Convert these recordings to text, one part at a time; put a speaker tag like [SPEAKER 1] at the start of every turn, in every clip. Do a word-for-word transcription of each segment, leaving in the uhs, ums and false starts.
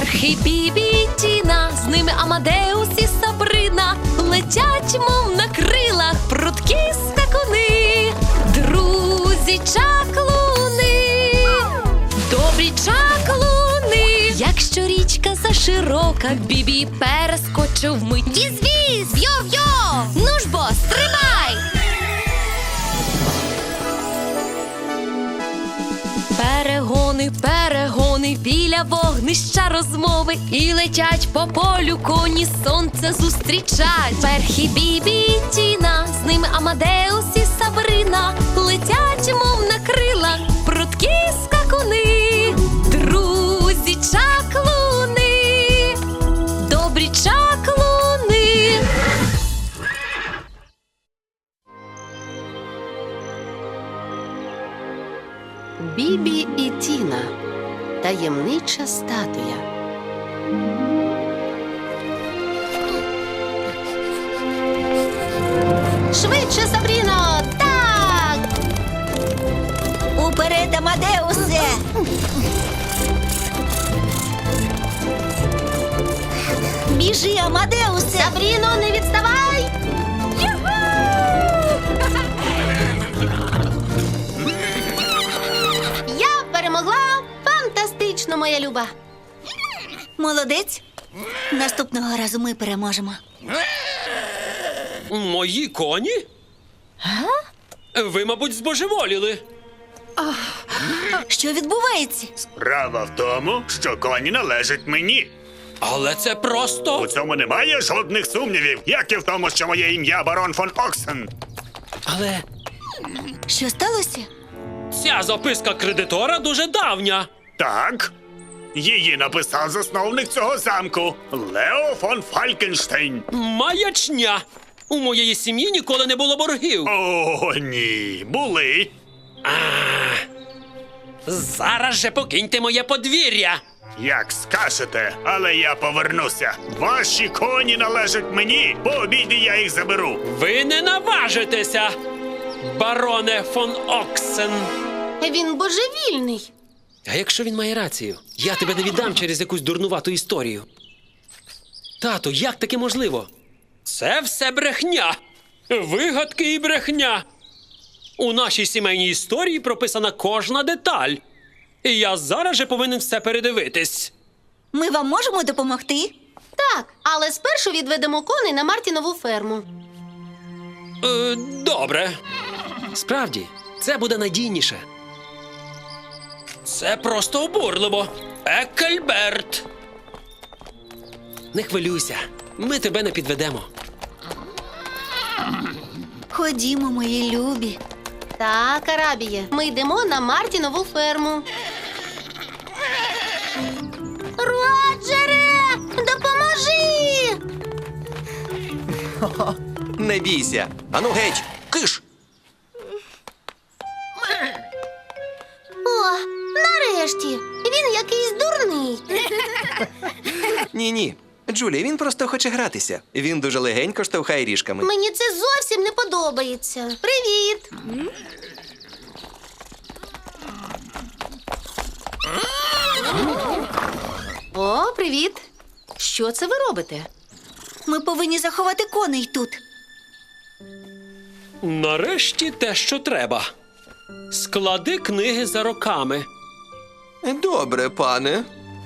[SPEAKER 1] Перхі, Бібі і Тіна, з ними Амадеус і Сабрина, летять, мов на крилах, прудкі скакуни, друзі чаклуни, добрі чаклуни. Якщо річка заширока, Бібі перескочив вмить. Віз-віз, йо-йо, ну ж бо, стрибай! Перегони, перегони, біля вогнища розмови, і летять по полю коні, сонце зустрічать. Перхі, Бібі і Тіна, з ними Амадеус і Сабрина, летять, мов на крилах, прудкі скакуни, друзі чаклуни, добрі чаклуни.
[SPEAKER 2] Бібі і Тіна. Таємнича статуя. Швидше, Сабріно! Так!
[SPEAKER 3] Уперед, Амадеусе! Біжи, Амадеусе!
[SPEAKER 2] Сабріно, не відставай! Я перемогла! Фантастично, моя люба!
[SPEAKER 3] Молодець! Наступного разу ми переможемо.
[SPEAKER 4] Мої коні? Ви, мабуть, збожеволіли.
[SPEAKER 3] Що відбувається?
[SPEAKER 5] Справа в тому, що коні належать мені.
[SPEAKER 4] Але це
[SPEAKER 5] У
[SPEAKER 4] просто...
[SPEAKER 5] цьому немає жодних сумнівів, як і в тому, що моє ім'я барон фон Оксен.
[SPEAKER 4] Але
[SPEAKER 3] Що сталося?
[SPEAKER 4] ця записка кредитора дуже давня.
[SPEAKER 5] Так, її написав засновник цього замку Лео фон Фалькенштейн.
[SPEAKER 4] Маячня. У моєї сім'ї ніколи не було боргів.
[SPEAKER 5] О, ні, були.
[SPEAKER 4] Зараз же покиньте моє подвір'я.
[SPEAKER 5] Як скажете, але я повернуся. Ваші коні належать мені, по обіді я їх заберу.
[SPEAKER 4] Ви не наважитеся, бароне фон Оксен.
[SPEAKER 2] Він божевільний.
[SPEAKER 4] А якщо він має рацію, я тебе не віддам через якусь дурнувату історію. Тату, як таке можливо? Це все брехня. Вигадки і брехня. У нашій сімейній історії прописана кожна деталь. І я зараз же повинен все передивитись.
[SPEAKER 3] Ми вам можемо допомогти?
[SPEAKER 2] Так, але спершу відведемо коней на Мартінову ферму.
[SPEAKER 4] Е, добре. Справді, це буде надійніше. Це просто обурливо. Екельберт. Не хвилюйся, ми тебе не підведемо.
[SPEAKER 3] Ходімо, мої любі.
[SPEAKER 2] Так, Арабіє, ми йдемо на Мартінову ферму. Роджере, допоможи!
[SPEAKER 6] Не бійся. Ану геть, киш!
[SPEAKER 2] О, нарешті! Він якийсь дурний.
[SPEAKER 6] Ні-ні. Джулі, він просто хоче гратися. Він дуже легенько штовхає ріжками.
[SPEAKER 2] Мені це зовсім не подобається. Привіт! О, привіт! Що це ви робите?
[SPEAKER 3] Ми повинні заховати коней тут.
[SPEAKER 4] Нарешті те, що треба. Склади книги за роками.
[SPEAKER 6] Добре, пане.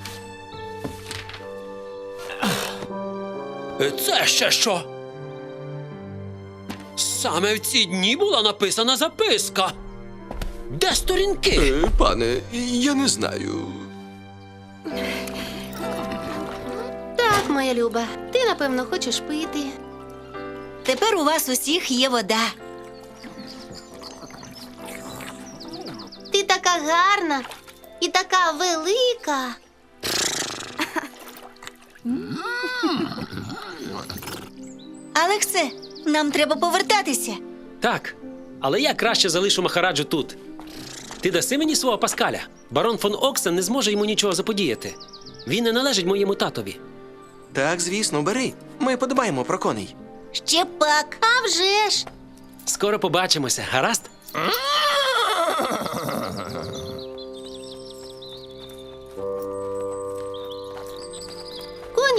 [SPEAKER 4] Це ще що? Саме в ці дні була написана записка. Де сторінки?
[SPEAKER 6] Е, пане, я не знаю.
[SPEAKER 2] Так, моя люба, ти, напевно, хочеш пити.
[SPEAKER 3] Тепер у вас усіх є вода.
[SPEAKER 2] Ти така гарна і така велика.
[SPEAKER 3] Алексе, нам треба повертатися.
[SPEAKER 4] Так, але я краще залишу Махараджу тут. Ти даси мені свого Паскаля. Барон фон Оксен не зможе йому нічого заподіяти. Він не належить моєму татові.
[SPEAKER 6] Так, звісно, бери. Ми подбаємо про коней.
[SPEAKER 3] Ще пак.
[SPEAKER 2] А вже ж!
[SPEAKER 4] Скоро побачимося, гаразд?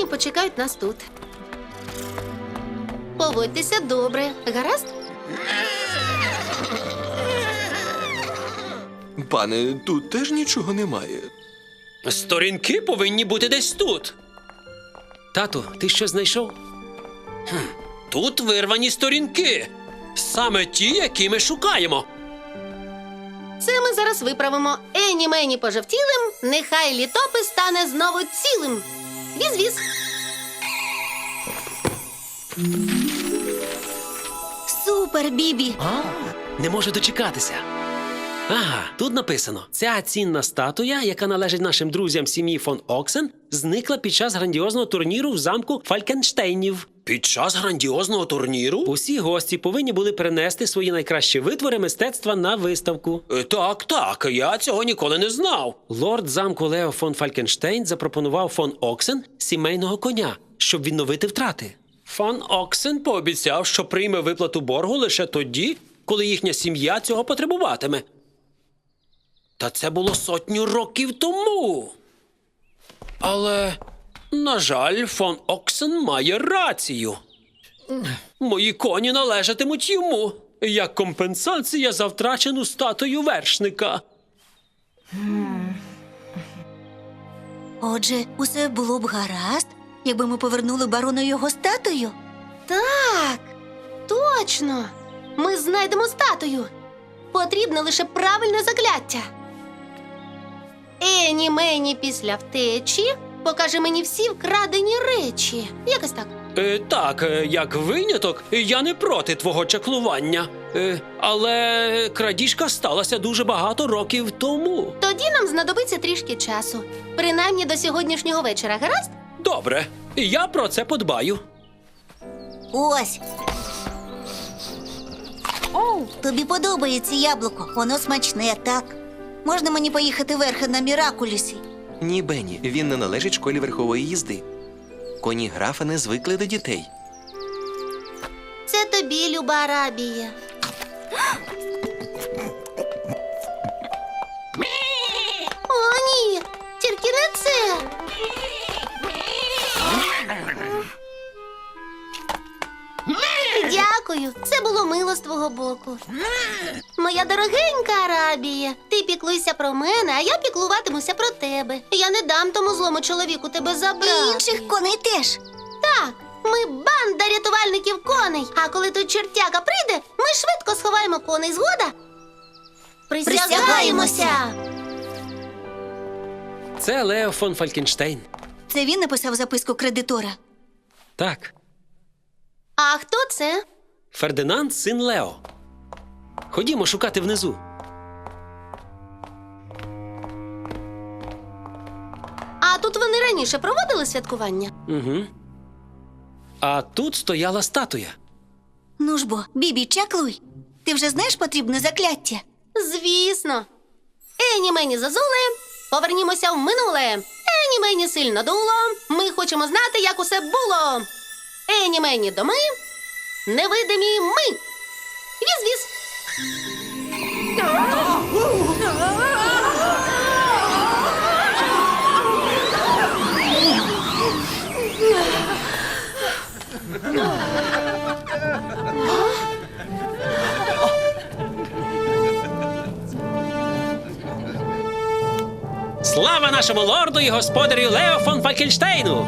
[SPEAKER 2] коні почекають нас тут. Поводьтеся добре, гаразд?
[SPEAKER 6] Пане, тут теж нічого немає.
[SPEAKER 4] Сторінки повинні бути десь тут. Тату, ти що знайшов? Хм, тут вирвані сторінки. Саме ті, які ми шукаємо.
[SPEAKER 2] Це ми зараз виправимо. Ені мені пожовтілим, нехай літопис стане знову цілим. Віз-віз.
[SPEAKER 3] Супер, Бібі!
[SPEAKER 4] Не можу дочекатися. Ага, тут написано: ця цінна статуя, яка належить нашим друзям сім'ї фон Оксен, зникла під час грандіозного турніру в замку Фалькенштейнів. Під час грандіозного турніру? Усі гості повинні були перенести свої найкращі витвори мистецтва на виставку. Е, Так, так, я цього ніколи не знав. Лорд замку Лео фон Фалькенштейн запропонував фон Оксен сімейного коня, щоб відновити втрати. Фон Оксен пообіцяв, що прийме виплату боргу лише тоді, коли їхня сім'я цього потребуватиме. Та це було сотню років тому. Але, на жаль, фон Оксен має рацію. Мої коні належатимуть йому, як компенсація за втрачену статую вершника.
[SPEAKER 3] Отже, усе було б гаразд, якби ми повернули барону його статую.
[SPEAKER 2] Так, точно. Ми знайдемо статую. Потрібне лише правильне закляття. Ені мені після втечі покаже мені всі вкрадені речі. Якось так.
[SPEAKER 4] Е, так, е, як виняток, я не проти твого чаклування. Е, але крадіжка сталася дуже багато років тому.
[SPEAKER 2] Тоді нам знадобиться трішки часу. Принаймні до сьогоднішнього вечора, гаразд?
[SPEAKER 4] Добре, я про це подбаю.
[SPEAKER 3] Ось. Тобі подобається яблуко, воно смачне, так? Можна мені поїхати верхи на Міракулісі?
[SPEAKER 6] Ні, Бенні, він не належить школі верхової їзди. Коні графа не звикли до дітей.
[SPEAKER 2] Це тобі, люба Арабія. О, ні! Тільки не це! Дякую, це було мило з твого боку. Моя дорогенька Арабія, ти піклуйся про мене, а я піклуватимуся про тебе. Я не дам тому злому чоловіку тебе забрати.
[SPEAKER 3] І інших коней теж.
[SPEAKER 2] Так, ми банда рятувальників коней. А коли той чертяка прийде, ми швидко сховаємо коней. Згода? Присягаємося!
[SPEAKER 4] Це Лео фон Фалькенштейн.
[SPEAKER 3] Це він написав записку кредитора.
[SPEAKER 4] Так,
[SPEAKER 2] А хто це?
[SPEAKER 4] Фердинанд, син Лео. Ходімо шукати внизу.
[SPEAKER 2] А тут вони раніше проводили святкування?
[SPEAKER 4] Угу. А тут стояла статуя.
[SPEAKER 3] Ну ж бо, Бібі, чаклуй. Ти вже знаєш потрібне закляття?
[SPEAKER 2] Звісно. Ені мені зазуле, повернімося в минуле. Ені мені сильно дуло, ми хочемо знати, як усе було. Ені мені доми, невидимі ми. Віз-віз.
[SPEAKER 4] Слава нашому лорду і господарю Лео фон Фалькенштейну!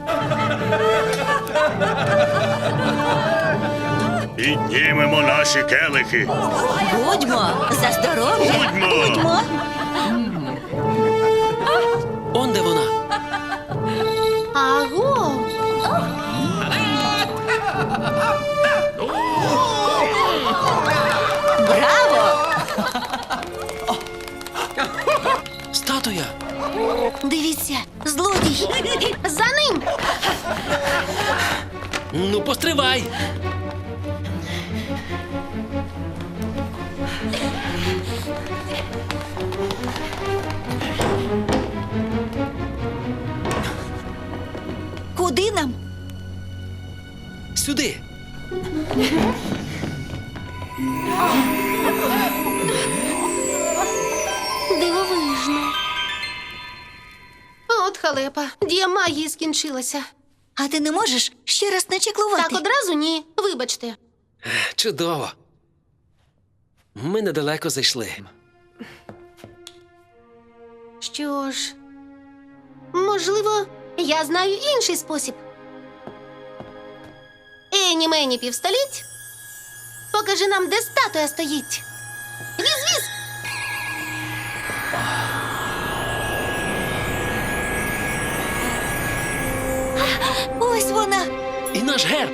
[SPEAKER 5] Піднімемо наші келихи.
[SPEAKER 3] Будьмо за здоров'я.
[SPEAKER 5] Будьмо.
[SPEAKER 4] Он де вона.
[SPEAKER 2] Аго!
[SPEAKER 3] Браво!
[SPEAKER 4] Статуя.
[SPEAKER 3] Дивіться, злодій.
[SPEAKER 2] За ним!
[SPEAKER 4] Ну, постривай.
[SPEAKER 3] Куди нам?
[SPEAKER 4] Сюди.
[SPEAKER 2] Дивовижно. От халепа, дія магії скінчилася.
[SPEAKER 3] А ти не можеш ще раз начеклувати?
[SPEAKER 2] Так одразу ні. Вибачте.
[SPEAKER 4] Чудово. Ми недалеко зайшли.
[SPEAKER 2] Що ж, можливо, я знаю інший спосіб. Ені мені півстоліть. Покажи нам, де статуя стоїть. Віз-віз!
[SPEAKER 3] Ось вона.
[SPEAKER 4] І наш герб.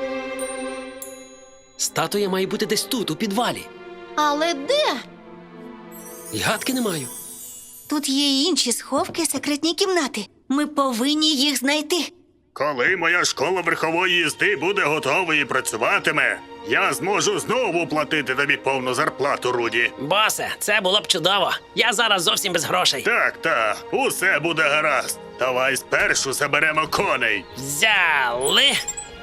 [SPEAKER 4] Статуя має бути десь тут, у підвалі.
[SPEAKER 2] Але де?
[SPEAKER 4] І гадки не маю.
[SPEAKER 3] Тут є й інші сховки, секретні кімнати. Ми повинні їх знайти.
[SPEAKER 5] Коли моя школа верхової їзди буде готова і працюватиме, я зможу знову платити тобі повну зарплату, Руді.
[SPEAKER 7] Босе, це було б чудово. Я зараз зовсім без грошей.
[SPEAKER 5] Так, так, усе буде гаразд. Давай спершу заберемо коней.
[SPEAKER 7] Взяли.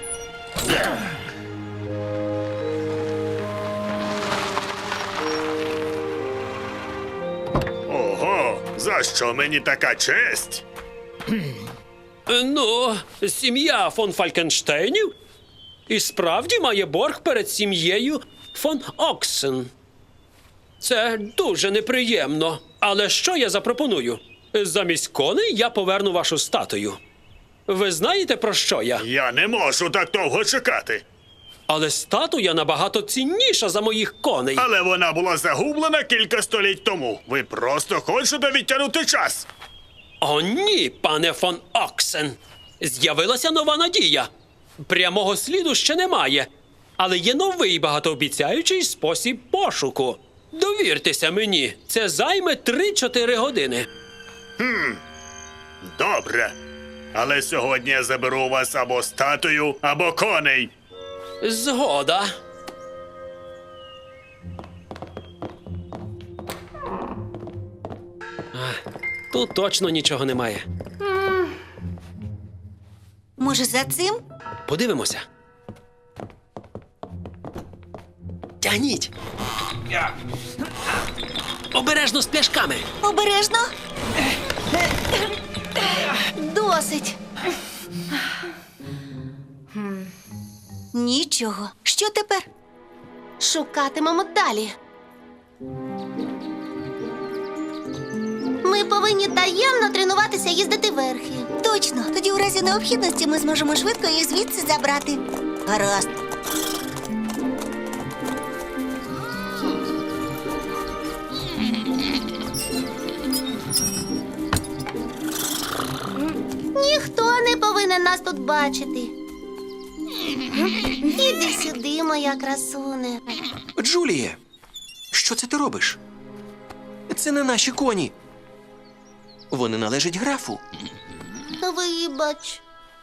[SPEAKER 5] Ого, за що мені така честь?
[SPEAKER 4] Е, Ну, сім'я фон Фалькенштейнів і справді має борг перед сім'єю фон Оксен. Це дуже неприємно. Але що я запропоную? Замість коней я поверну вашу статую. Ви знаєте, про що я?
[SPEAKER 5] Я не можу так довго чекати.
[SPEAKER 4] Але статуя набагато цінніша за моїх коней.
[SPEAKER 5] Але вона була загублена кілька століть тому. Ви просто хочете відтягнути час.
[SPEAKER 4] О, ні, пане фон Оксен. З'явилася нова надія. Прямого сліду ще немає, але є новий багатообіцяючий спосіб пошуку. Довіртеся мені, це займе три-чотири години.
[SPEAKER 5] Добре. Але сьогодні я заберу у вас або статую, або коней.
[SPEAKER 4] Згода. А, тут точно нічого немає.
[SPEAKER 3] Може, за цим?
[SPEAKER 4] Подивимося. Тягніть. Обережно з пляшками.
[SPEAKER 3] Обережно.
[SPEAKER 2] Досить.
[SPEAKER 3] Нічого. Що тепер?
[SPEAKER 2] Шукатимемо далі. Ми повинні таємно тренуватися їздити верхи.
[SPEAKER 3] Точно. Тоді у разі необхідності ми зможемо швидко їх звідси забрати. Гаразд.
[SPEAKER 2] Ніхто не повинен нас тут бачити. Іди сюди, моя красуне.
[SPEAKER 6] Джуліє, що це ти робиш? Це не наші коні. Вони належать графу.
[SPEAKER 2] Вибач.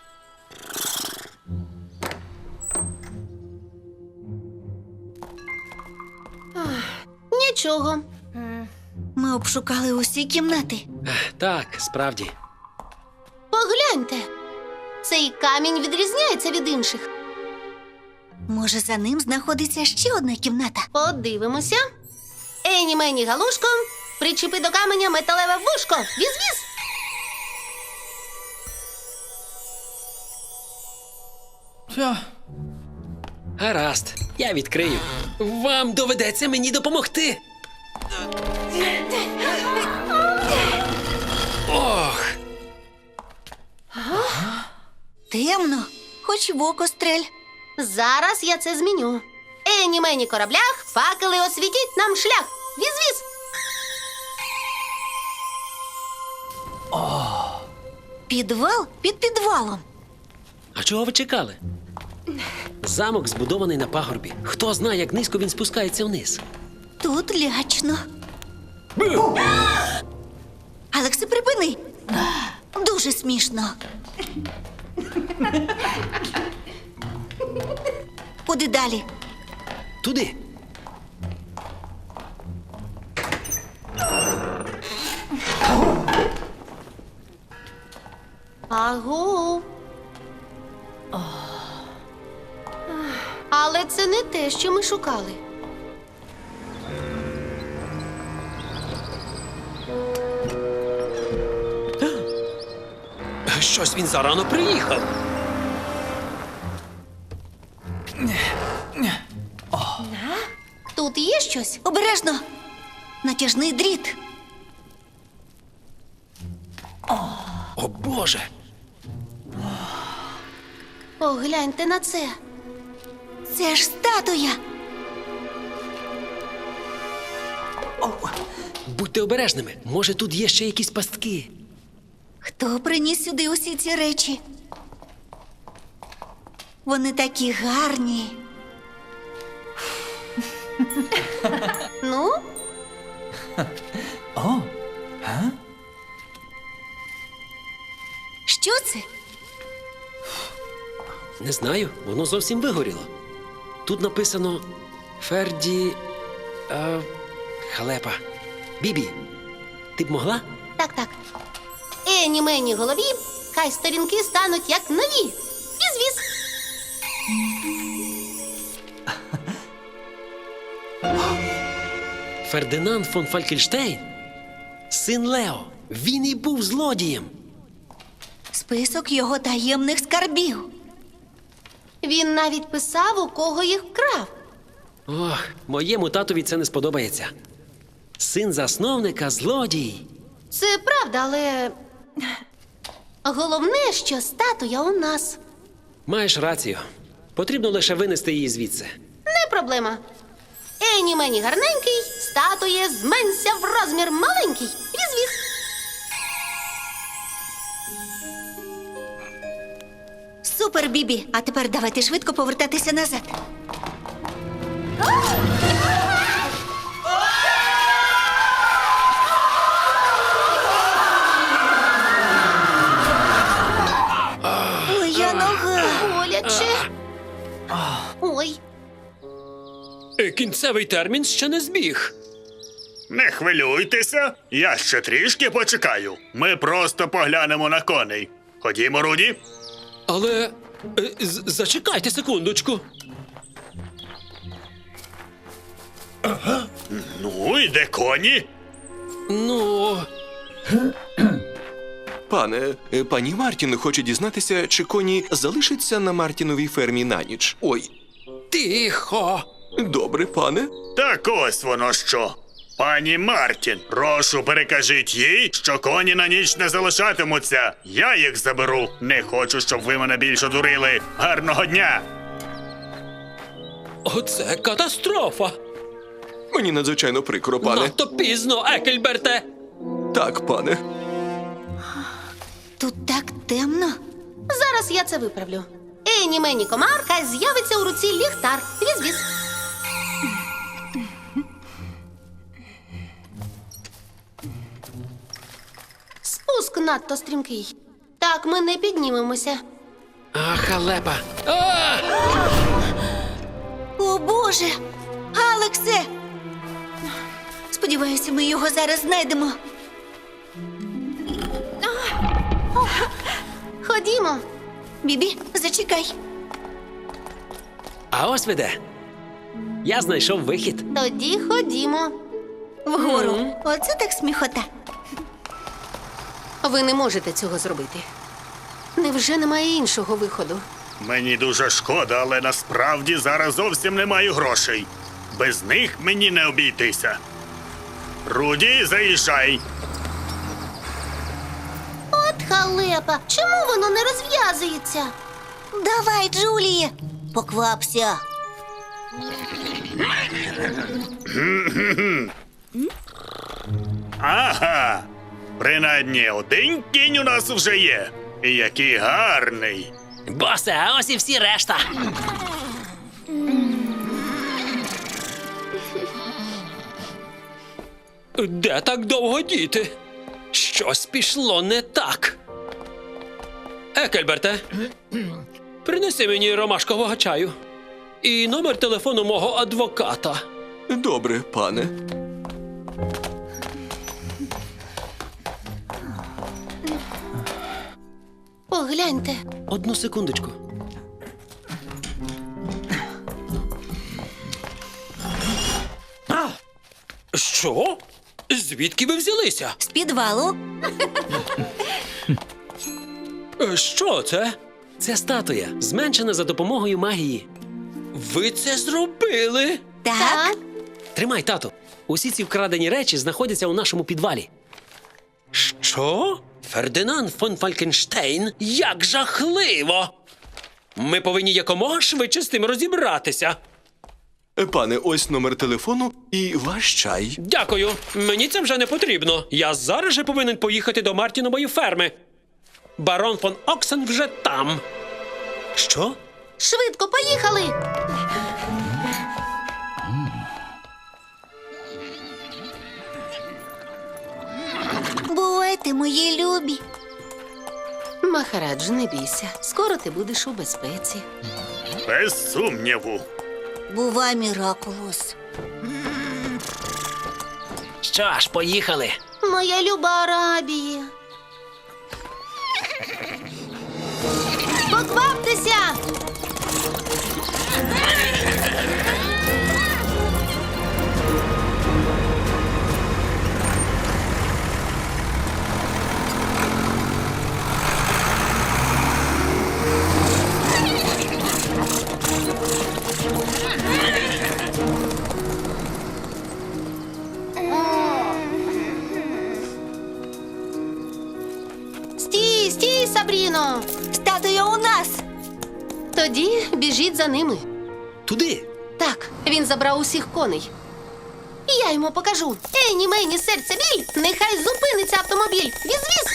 [SPEAKER 2] Ах, Нічого.
[SPEAKER 3] Ми обшукали усі кімнати.
[SPEAKER 4] Ех, Так, справді.
[SPEAKER 2] Погляньте. Цей камінь відрізняється від інших.
[SPEAKER 3] Може, за ним знаходиться ще одна кімната?
[SPEAKER 2] Подивимося. Ені мені галушко, причепи до каменя металеве вушко. Віз-віз.
[SPEAKER 4] Гаразд, я відкрию. Вам доведеться мені допомогти. Ох,
[SPEAKER 3] Темно. Хоч в око стрель.
[SPEAKER 2] Зараз я це зміню. Ені мені кораблях, факели освітіть нам шлях. Віз-віз.
[SPEAKER 3] Підвал під підвалом.
[SPEAKER 4] а чого ви чекали? Замок збудований на пагорбі. Хто знає, як низько він спускається вниз.
[SPEAKER 3] Тут лячно. Алексе, припини. Дуже смішно. Куди далі?
[SPEAKER 4] Туди.
[SPEAKER 2] Агу. Але це не те, що ми шукали.
[SPEAKER 4] Щось він зарано приїхав.
[SPEAKER 2] Тут є щось?
[SPEAKER 3] Обережно! Натяжний дріт.
[SPEAKER 4] О Боже!
[SPEAKER 2] Погляньте на це.
[SPEAKER 3] Це ж статуя.
[SPEAKER 4] Будьте обережними. Може, тут є ще якісь пастки.
[SPEAKER 3] Хто приніс сюди усі ці речі? Вони такі гарні.
[SPEAKER 2] Ну,
[SPEAKER 3] Що це?
[SPEAKER 4] Не знаю, воно зовсім вигоріло. Тут написано Ферді. А, халепа. Бібі, ти б могла?
[SPEAKER 2] так, так. Ені мені голові, хай сторінки стануть як нові. Віз-віз.
[SPEAKER 4] Фердинанд фон Фалькельштейн? Син Лео. Він і був злодієм.
[SPEAKER 3] Список його таємних скарбів.
[SPEAKER 2] Він навіть писав, у кого їх вкрав.
[SPEAKER 4] Ох, моєму татові це не сподобається. Син засновника злодій.
[SPEAKER 2] Це правда, але головне, що статуя у нас.
[SPEAKER 4] Маєш рацію. Потрібно лише винести її звідси.
[SPEAKER 2] Не проблема. Ені мені гарненький, статує зменься в розмір маленький. Віз-віз.
[SPEAKER 3] Супер, Бібі. А тепер давайте швидко повертатися назад. Моя нога.
[SPEAKER 2] Боляче. Ой,
[SPEAKER 4] Е, Кінцевий термін ще не збіг.
[SPEAKER 5] Не хвилюйтеся, я ще трішки почекаю. Ми просто поглянемо на коней. Ходімо, Руді.
[SPEAKER 4] Але е, з- зачекайте секундочку.
[SPEAKER 5] Ну, і де коні?
[SPEAKER 4] Ну,
[SPEAKER 6] Пане, е, пані Мартін хоче дізнатися, чи коні залишаться на Мартіновій фермі на ніч. Ой,
[SPEAKER 4] тихо.
[SPEAKER 6] добре, пане.
[SPEAKER 5] Так ось воно що. Пані Мартін, прошу, перекажіть їй, що коні на ніч не залишатимуться. Я їх заберу. Не хочу, щоб ви мене більше дурили. Гарного дня!
[SPEAKER 4] Оце катастрофа.
[SPEAKER 6] Мені надзвичайно прикро, пане.
[SPEAKER 4] Надто пізно, Екельберте.
[SPEAKER 6] Так, пане.
[SPEAKER 3] Тут так темно.
[SPEAKER 2] зараз я це виправлю. Ені мені комар, хай з'явиться у руці ліхтар. Віз-віз. Спуск надто стрімкий. Так ми не піднімемося.
[SPEAKER 4] А, халепа. А!
[SPEAKER 3] О, Боже! Алексе! Сподіваюся, ми його зараз знайдемо.
[SPEAKER 2] Ходімо.
[SPEAKER 3] Бібі, зачекай.
[SPEAKER 4] А ось ви де. Я знайшов вихід.
[SPEAKER 2] Тоді ходімо.
[SPEAKER 3] Вгору. Оце так сміхота.
[SPEAKER 2] Ви не можете цього зробити. Невже немає іншого виходу?
[SPEAKER 5] Мені дуже шкода, але насправді зараз зовсім не маю грошей. Без них мені не обійтися. Руді, заїжджай.
[SPEAKER 2] От халепа! Чому воно не розв'язується?
[SPEAKER 3] Давай, Джуліє. Поквапся.
[SPEAKER 5] Ага. Принаймні один кінь у нас вже є. І який гарний.
[SPEAKER 7] Босе, а ось і всі решта.
[SPEAKER 4] Де так довго діти? Щось пішло не так. Екельберте, принеси мені ромашкового чаю. І номер телефону мого адвоката.
[SPEAKER 6] Добре, пане.
[SPEAKER 2] Погляньте.
[SPEAKER 4] Одну секундочку. Що? Звідки ви взялися?
[SPEAKER 3] З підвалу.
[SPEAKER 4] Е, Що це? Це статуя, зменшена за допомогою магії. Ви це зробили?
[SPEAKER 3] Так.
[SPEAKER 4] Тримай, тато. Усі ці вкрадені речі знаходяться у нашому підвалі. Що? Фердинанд фон Фалькенштейн? Як жахливо! Ми повинні якомога швидше з тим розібратися.
[SPEAKER 6] Пане, ось номер телефону і ваш чай.
[SPEAKER 4] Дякую. Мені це вже не потрібно. Я зараз же повинен поїхати до Мартінової ферми. Барон фон Оксен вже там. Що?
[SPEAKER 2] Швидко, поїхали!
[SPEAKER 3] Бувайте, мої любі.
[SPEAKER 2] Махарадж, не бійся. Скоро ти будеш у безпеці.
[SPEAKER 5] Без сумніву.
[SPEAKER 3] Бувай, Міракулос.
[SPEAKER 7] Що ж, поїхали.
[SPEAKER 2] Моя люба Арабія. Покваптеся! Стій, стій, Сабріно!
[SPEAKER 3] Статуя у нас.
[SPEAKER 2] Тоді біжіть за ними.
[SPEAKER 4] Туди.
[SPEAKER 2] Так, він забрав усіх коней. І я йому покажу. Ені, мені, серце біль, нехай зупиниться автомобіль. Віз-віз!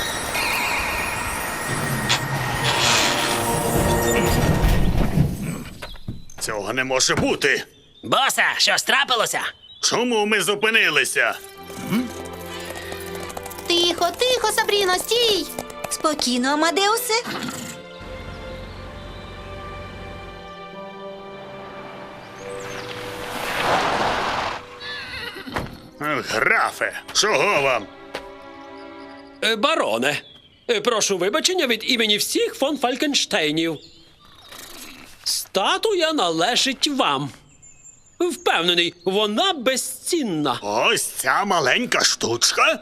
[SPEAKER 5] Цього не може бути.
[SPEAKER 7] Босе, що трапилося?
[SPEAKER 5] Чому ми зупинилися?
[SPEAKER 2] Тихо, тихо, Сабріно, стій!
[SPEAKER 3] Спокійно, Амадеусе.
[SPEAKER 5] Графе, чого вам?
[SPEAKER 4] Е, Бароне, е, прошу вибачення від імені всіх фон Фалькенштейнів. Статуя належить вам. Впевнений, вона безцінна.
[SPEAKER 5] Ось ця маленька штучка?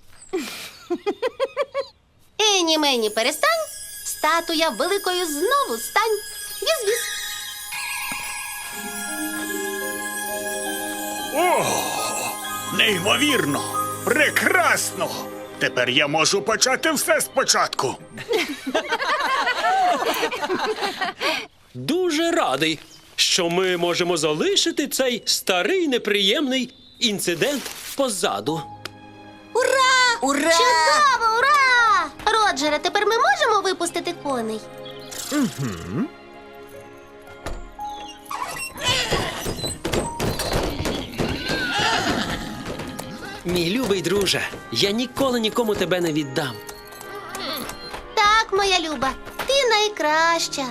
[SPEAKER 2] Ені, мені, перестань. Статуя великою знову стань. Віз-віз.
[SPEAKER 5] Неймовірно! Прекрасно! Тепер я можу почати все спочатку.
[SPEAKER 4] Дуже радий, що ми можемо залишити цей старий неприємний інцидент позаду.
[SPEAKER 3] Ура! Ура!
[SPEAKER 2] Чудово, ура! Роджере, тепер ми можемо випустити коней?
[SPEAKER 4] Мій любий друже, я ніколи нікому тебе не віддам.
[SPEAKER 2] Так, моя люба, ти найкраща.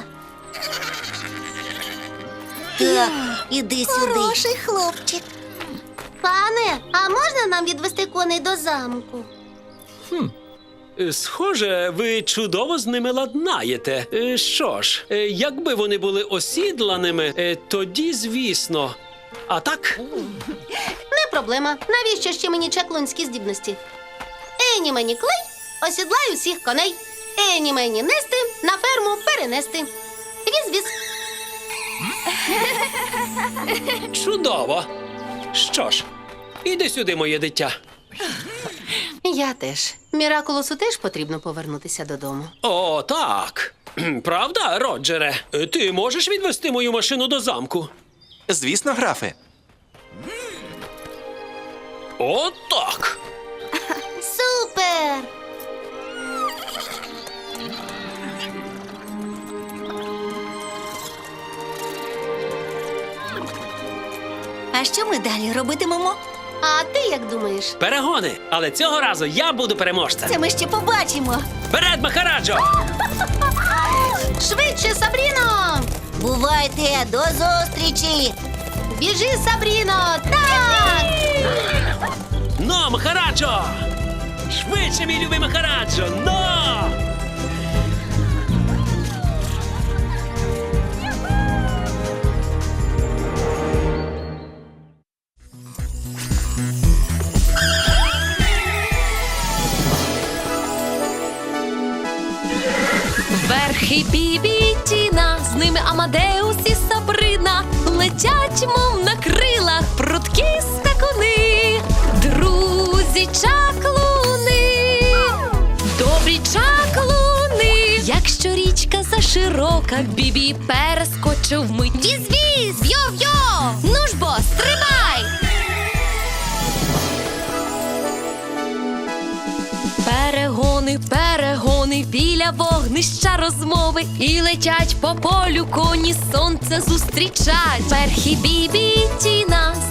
[SPEAKER 3] Так, іди сюди. Хороший хлопчик.
[SPEAKER 2] Пане, а можна нам відвести коней до замку?
[SPEAKER 4] Е, Схоже, ви чудово з ними ладнаєте. Е, Що ж, е, якби вони були осідланими, е, тоді звісно. А так,
[SPEAKER 2] Не проблема. Навіщо ще мені чаклунські здібності? Ені мені клей, осідлай усіх коней. Ені мені нести, на ферму перенести. Віз-віз.
[SPEAKER 4] чудово. Що ж, іди сюди, моє дитя.
[SPEAKER 2] Я теж. Міракулосу теж потрібно повернутися додому.
[SPEAKER 4] О, так. Кхм, Правда, Роджере? Е, Ти можеш відвести мою машину до замку?
[SPEAKER 6] Звісно, графе.
[SPEAKER 4] О, так.
[SPEAKER 2] Супер!
[SPEAKER 3] А що ми далі робитимемо?
[SPEAKER 2] А ти як думаєш?
[SPEAKER 4] Перегони. Але цього разу я буду переможцем.
[SPEAKER 3] Це ми ще побачимо.
[SPEAKER 4] Вперед, Махараджо!
[SPEAKER 2] Швидше, Сабріно!
[SPEAKER 3] Бувайте, до зустрічі!
[SPEAKER 2] Біжи, Сабріно! Так!
[SPEAKER 4] Но, Махараджо! Швидше, мій любий Махараджо! Но!
[SPEAKER 1] Верхи Бібі і Тіна, з ними Амадеус і Сабрина летять, мов на крилах. швидкі скакуни, друзі чаклуни, добрі чаклуни. Якщо річка заширока, Бібі перескочив вмить. Віз-віз, йо-йо, ну ж бо, стрибай! Перегони, перегони, біля вогнища розмови. І летять по полю коні, сонце зустрічать. Перхі Бібі ті нас